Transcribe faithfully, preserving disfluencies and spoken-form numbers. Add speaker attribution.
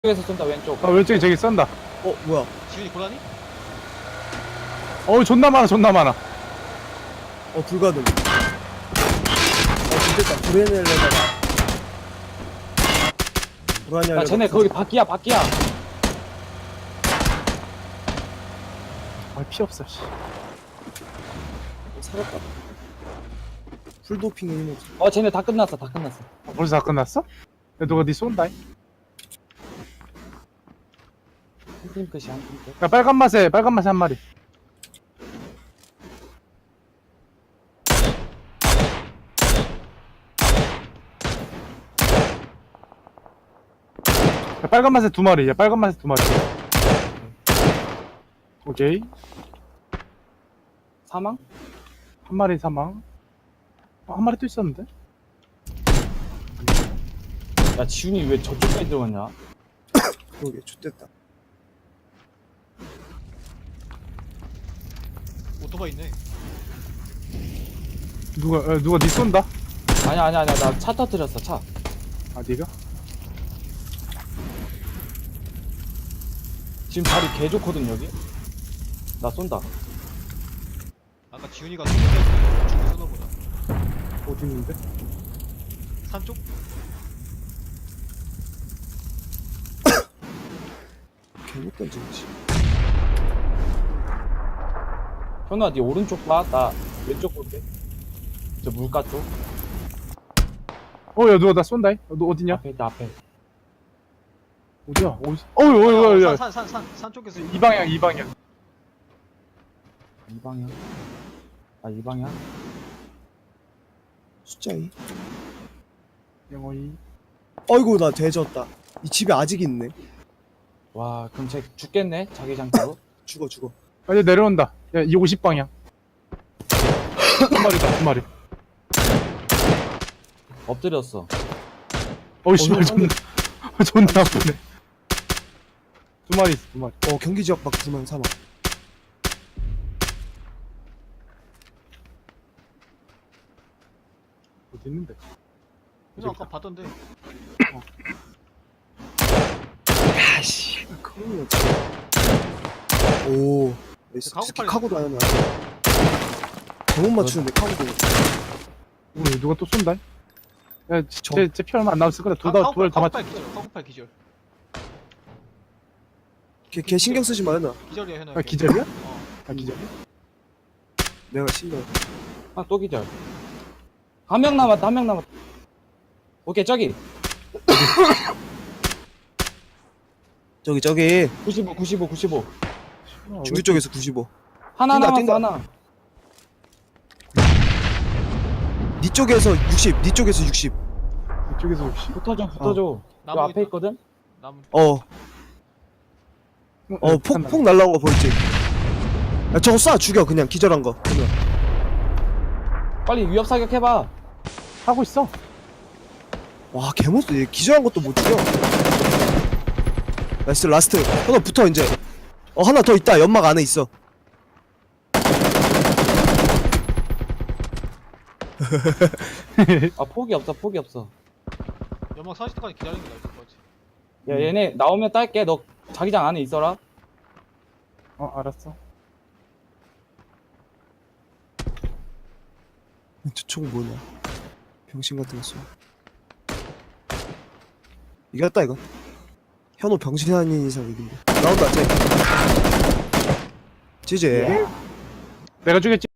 Speaker 1: 왼쪽에서 쏜다 왼쪽.
Speaker 2: 아 왼쪽에 저기 쏜다.
Speaker 3: 어 뭐야?
Speaker 4: 지훈이 고라니?
Speaker 2: 어우 존나 많아 존나 많아.
Speaker 3: 어 불가능. 어 진짜 브레넬레다가 불안이
Speaker 1: 야 쟤네 거기 바퀴야 바퀴야.
Speaker 2: 아 피 없어 씨.
Speaker 3: 살았다. 풀도핑 힘을.
Speaker 1: 어 쟤네 다 끝났어 다 끝났어.
Speaker 2: 아, 벌써 다 끝났어? 야 누가 니 쏜다.
Speaker 1: 한팀 끝이 한팀 끝.
Speaker 2: 야 빨간 맛에 빨간 맛에 한 마리. 야 빨간 맛에 두 마리. 야 빨간 맛에 두 마리. 오케이.
Speaker 1: 사망?
Speaker 2: 한 마리 사망. 어, 한 마리 또 있었는데?
Speaker 1: 야 지훈이 왜 저쪽까지 들어갔냐?
Speaker 3: 그러게 좋됐다.
Speaker 4: 오토바이 있네.
Speaker 2: 누가 야, 누가 니 쏜다?
Speaker 1: 아니야 아니야 아니야 나 차 터뜨렸어 차.
Speaker 2: 아 니가?
Speaker 1: 지금 자리 개 좋거든 여기. 나 쏜다.
Speaker 4: 아까 지훈이가 쏘는데 중에 쏘나 보다.
Speaker 2: 어디 있는데?
Speaker 4: 산 쪽?
Speaker 3: 개못 던지지.
Speaker 1: 현우야 니 오른쪽 봐. 나 왼쪽 볼게. 저 물가 쪽.
Speaker 2: 어야 누가 나 쏜다. 어, 너 어디냐?
Speaker 1: 앞에 있다 앞에.
Speaker 2: 어디야? 어디? 어이 어이 어이 어이.
Speaker 4: 산 산 산 산 쪽에서
Speaker 2: 이 방향 이 방향.
Speaker 1: 이 방향. 아 이 방향.
Speaker 3: 숫자 이.
Speaker 2: 영어이.
Speaker 3: 어이구 나 대졌다. 이 집에 아직 있네.
Speaker 1: 와 그럼 쟤 죽겠네 자기장으로.
Speaker 3: 죽어 죽어.
Speaker 2: 아 이제 내려온다. 야 이 오십 방향. 한 마리다 한 마리.
Speaker 1: 엎드렸어.
Speaker 2: 어이 씨발
Speaker 3: 어,
Speaker 2: 존나 존나 아프네. 두 마리 있어 두 마리.
Speaker 3: 어 경기 지역 밖 두명 사망.
Speaker 2: 어디 있는데?
Speaker 4: 그냥 아까 봤던데.
Speaker 3: 야씨. 큰일 났지. 오.
Speaker 4: 그 카고
Speaker 3: 스키
Speaker 4: 팔이-
Speaker 3: 카고도 안 하나. 잘못 맞추는데 카고도.
Speaker 2: 오 누가 또 쏜다? 야,
Speaker 3: 저-
Speaker 2: 쟤, 쟤 피 얼마 안 남았을 거다. 두달 두달 다 맞.
Speaker 4: 카고팔 기절. 카고팔 기절.
Speaker 3: 걔, 걔 신경 쓰지 마 현아.
Speaker 4: 기절이야 현아.
Speaker 2: 아 기절이야?
Speaker 4: 어.
Speaker 2: 아 기절.
Speaker 3: 내가 신경.
Speaker 1: 아 또 기절. 한 명 남았다 한 명 남았다. 오케이 저기
Speaker 3: 저기 저기
Speaker 1: 구십오 구십오 구십오.
Speaker 2: 아,
Speaker 3: 중기 쪽에서 구십오.
Speaker 1: 하나
Speaker 3: 뛴다,
Speaker 1: 남았어
Speaker 3: 뛴다.
Speaker 1: 하나.
Speaker 3: 니 쪽에서 육십. 니 쪽에서 육십.
Speaker 2: 왜 이쪽에서 혹시?
Speaker 1: 붙어줘 붙어줘. 요
Speaker 4: 나무
Speaker 1: 앞에
Speaker 4: 있다.
Speaker 1: 있거든.
Speaker 4: 남
Speaker 3: 어. 어, 폭, 폭 날라온 거 보이지? 야, 저거 쏴, 죽여, 그냥, 기절한 거. 그냥.
Speaker 1: 빨리 위협 사격 해봐.
Speaker 2: 하고 있어.
Speaker 3: 와, 개못써. 얘 기절한 것도 못 죽여. 나이스, 라스트. 하나 붙어, 이제. 어, 하나 더 있다. 연막 안에 있어.
Speaker 1: 아 폭이 없어 폭이 없어.
Speaker 4: 연막 사십 대까지 기다리는 게 나을 것 같지.
Speaker 1: 야 얘네 나오면 딸게. 너 자기장 안에 있어라.
Speaker 2: 어 알았어.
Speaker 3: 저총 뭐냐. 병신 같은 거 쏘. 이겼다, 이거. 현호 병신 아닌 이상 이긴다. 나온다, 쟤. 지지.
Speaker 2: 내가 죽였지.